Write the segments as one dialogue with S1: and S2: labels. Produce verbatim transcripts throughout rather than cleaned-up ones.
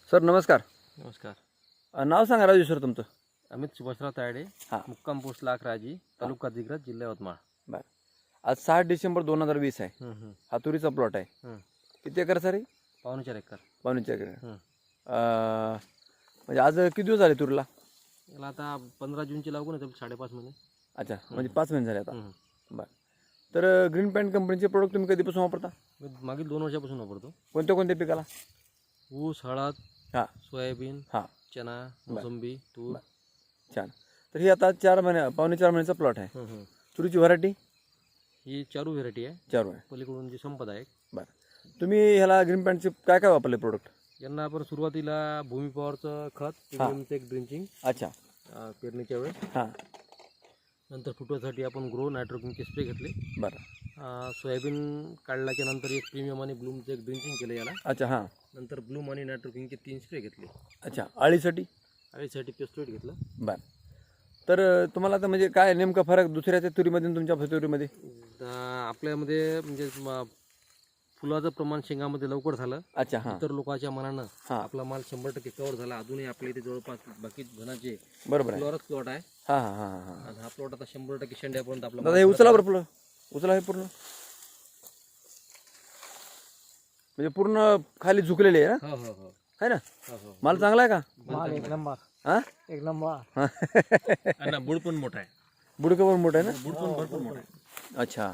S1: Sir नमस्कार.
S2: नमस्कार.
S1: अ, नाव सांगा राजू सर तुमचं.
S2: अमित सुभाषराव तायडे,
S1: हां
S2: मुक्काम पोस्ट लाखराजी, तालुका दिग्रज, जिल्हा यवतमाळ.
S1: बरं. आज सहा डिसेंबर दोन हजार वीस आहे.
S2: हं, हं,
S1: हा तुरीचा प्लॉट आहे.
S2: हं.
S1: किती एकर सर?
S2: पावणे चार एकर.
S1: पावणे चार एकर.
S2: हं.
S1: अ, म्हणजे आज किती दिवस झाले तुरीला?
S2: याला आता पंधरा जूनची लागून आहे, साडेपाच महिने.
S1: अच्छा, म्हणजे पाच महिने झाले आता.
S2: हं.
S1: बरं. तर ग्रीन पॅन्ट कंपनीचे प्रोडक्ट तुम्ही कधीपासून वापरता?
S2: मी मागील दोन वर्षापासून वापरतो.
S1: कोणत्या कोणत्या पिकाला?
S2: ऊस, हळद,
S1: हां
S2: सोयाबीन,
S1: हां
S2: चना, मोसंबी, तूर.
S1: छान. तर ही आता चार महिन्या पावणे चार महिन्याचा प्लॉट आहे.
S2: हं, हं.
S1: तुरीची व्हरायटी?
S2: ही चारू व्हेरायटी आहे.
S1: चार आहे.
S2: पलीकडून जी संपदा आहे.
S1: बरं. तुम्ही ह्याला ग्रीन पॅन्टचे काय काय वापरले प्रोडक्ट?
S2: यांना आपण सुरुवातीला भूमी पॉवरचं खत, प्रीमियमचं एक ड्रिंचिंग
S1: अच्छा.
S2: पेरणीच्या वेळेस.
S1: हां.
S2: नंतर फुटवासाठी आपण ग्रो नायट्रोकिनचे स्प्रे घेतले.
S1: बरं.
S2: अं, सोयाबीन काढल्याच्या नंतर एक प्रीमियम आणि ब्लूमचं एक ड्रिंचिंग केलं याला.
S1: अच्छा. हां.
S2: नंतर ब्लूम आणि नायट्रोकिनचे तीन स्प्रे घेतले.
S1: अच्छा. आळीसाठी?
S2: आळीसाठी पेस्टोइड घेतलं.
S1: बरं. तर अ, तुम्हाला आता म्हणजे काय नेमका फरक दुसऱ्याच्या तुरीमध्ये आणि तुमच्या तुरीमध्ये?
S2: अं, आपल्यामध्ये म्हणजे म- फुलाचं प्रमाण शेंगामध्ये लवकर झालं.
S1: अच्छा. हां
S2: इतर लोकांच्या मनानं
S1: हां
S2: आपला माल शंभर टक्के कव्हर झाला. अजूनही आपल्या इथे जवळपास बाकी धनाचे
S1: बरोबर आहे.
S2: फ्लोअरच प्लॉट आहे.
S1: हां हां हां हां
S2: आणि हा प्लॉट आता शंभर टक्के शेंड्यापर्यंत आपला
S1: दादा हे उचला बरं पूर्ण. उचला हे पूर्ण. म्हणजे पूर्ण खाली झुकलेले आहे ना?
S2: हो हो हो
S1: आहे ना?
S2: हो हो
S1: माल चांगला आहे का?
S2: माल एक नंबर.
S1: हां
S2: एक नंबर. आणि बुड पण मोठा आहे.
S1: बुडकं पण मोठं आहे ना?
S2: बुड पण भरपूर मोठा आहे.
S1: अच्छा.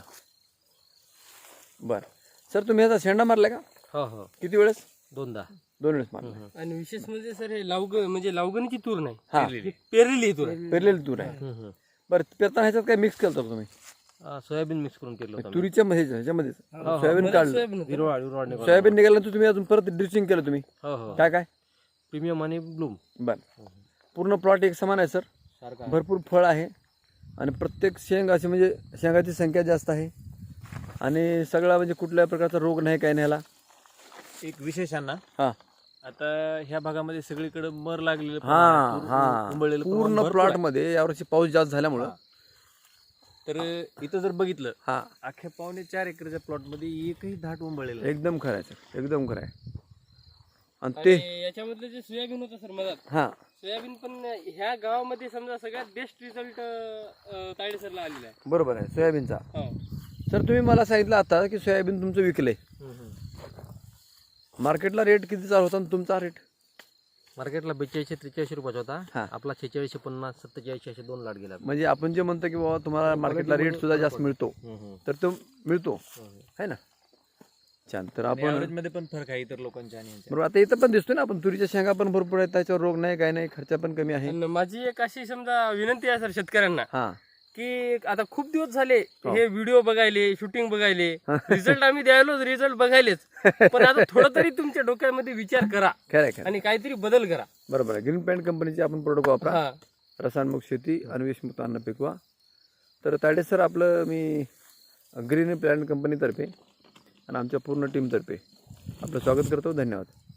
S1: बरं. सर तुम्ही आता शेंडा मारला का?
S2: हो हो
S1: किती वेळेस?
S2: दोनदा.
S1: दोन वेळेस मारला.
S3: आणि विशेष म्हणजे सर हे लावग म्हणजे लावगणीची तूर नाही,
S1: हां
S3: ही पेरलेली तूर आहे.
S1: पेरलेली तूर आहे. बरं. पेरताना ह्याच्यात काय मिक्स केलं होतं तुम्ही?
S2: सोयाबीन मिक्स करून केलं होतं.
S1: तुरीच्या मध्ये ह्याच्यामध्ये सोयाबीन काढलं.
S3: सोयाबीन होतं.
S2: हिरवळ हिरवळ निघाला.
S1: सोयाबीन निघाल्यानंतर तुम्ही अजून परत ड्रिचिंग केलं तुम्ही?
S2: हो हो
S1: काय काय?
S2: प्रीमियम आणि ब्लूम
S1: बरं. पूर्ण प्लॉट एक समान आहे सर.
S2: सारखा.
S1: भरपूर फळ आहे आणि प्रत्येक शेंग अशी म्हणजे शेंगाची संख्या जास्त आहे आणि सगळा म्हणजे कुठल्या प्रकारचा रोग नाही काय नाही ह्याला.
S4: एक विशेष आहे ना,
S1: हां
S4: आता ह्या भागामध्ये सगळीकडे मर लागलेलं
S1: हां हां
S4: कुंबळलेलं प्रमाण
S1: पूर्ण
S4: भरपूर
S1: प्लॉट
S4: आहे.
S1: मध्ये यावर्षी पाऊस जास्त झाल्यामुळं
S4: हां. तर इथं जर बघितलं,
S1: हां
S4: अख्ख्या पावणे चार एकरच्या प्लॉट मध्ये एकही धाट उंबळलेलं नाही.
S1: एकदम खरं आहे सर. एकदम खरं आहे. आणि ते
S3: आणि याच्यामधलं जे सोयाबीन होतं सर मधात,
S1: हां
S3: सोयाबीन पण ह्या गावामध्ये समजा सगळ्यात बेस्ट रिझल्ट तायडे सरला आलेला आहे.
S1: बरोबर आहे. सोयाबीनचा
S3: हो.
S1: सर तुम्ही मला सांगितलं आता की सोयाबीन तुमचं विकलंय. मार्केटला रेट किती चालू होता आणि तुमचा रेट?
S2: मार्केटला बेचाळीसशे त्रेचाळीसशे रुपयाचा होता.
S1: हां.
S2: आपला शेहेचाळीसशे पन्नास सत्तेचाळीसशे असे दोन लाट गेला.
S1: म्हणजे आपण जे म्हणतो की बाबा तुम्हाला मार्केटला रेट सुद्धा जास्त मिळतो तर तो मिळतो आहे ना? छान. तर
S4: आणि
S1: आपण
S4: average मध्ये पण फरक आहे इतर लोकांच्या आणि यांच्या.
S1: बरोबर. आता इथं पण दिसतोय ना आपण तुरीच्या शेंगा पण भरपूर आहेत, त्याच्यावर रोग नाही काय नाही, खर्च पण कमी आहे.
S3: आणि माझी एक अशी समजा विनंती आहे सर शेतकऱ्यांना
S1: हां
S3: की आता खूप दिवस झाले हे व्हिडिओ बघायले, शूटिंग बघायले, रिझल्ट आम्ही द्यायलोच, रिझल्ट बघायलेच, पण आता थोडं तरी तुमच्या डोक्यामध्ये विचार करा
S1: खरं आहे खरं आहे.
S3: आणि काहीतरी बदल करा.
S1: बरोबर आहे. ग्रीन पॅन्ट कंपनीचे आपण प्रोडक्ट वापरा.
S3: हा.
S1: रसायनमुक्त शेती आणि विषमुक्त अन्न पिकवा. तर तायडे सर आपलं मी ग्रीन पॅन्ट कंपनीतर्फे आणि आमच्या पूर्ण टीमतर्फे आपलं स्वागत करतो. धन्यवाद.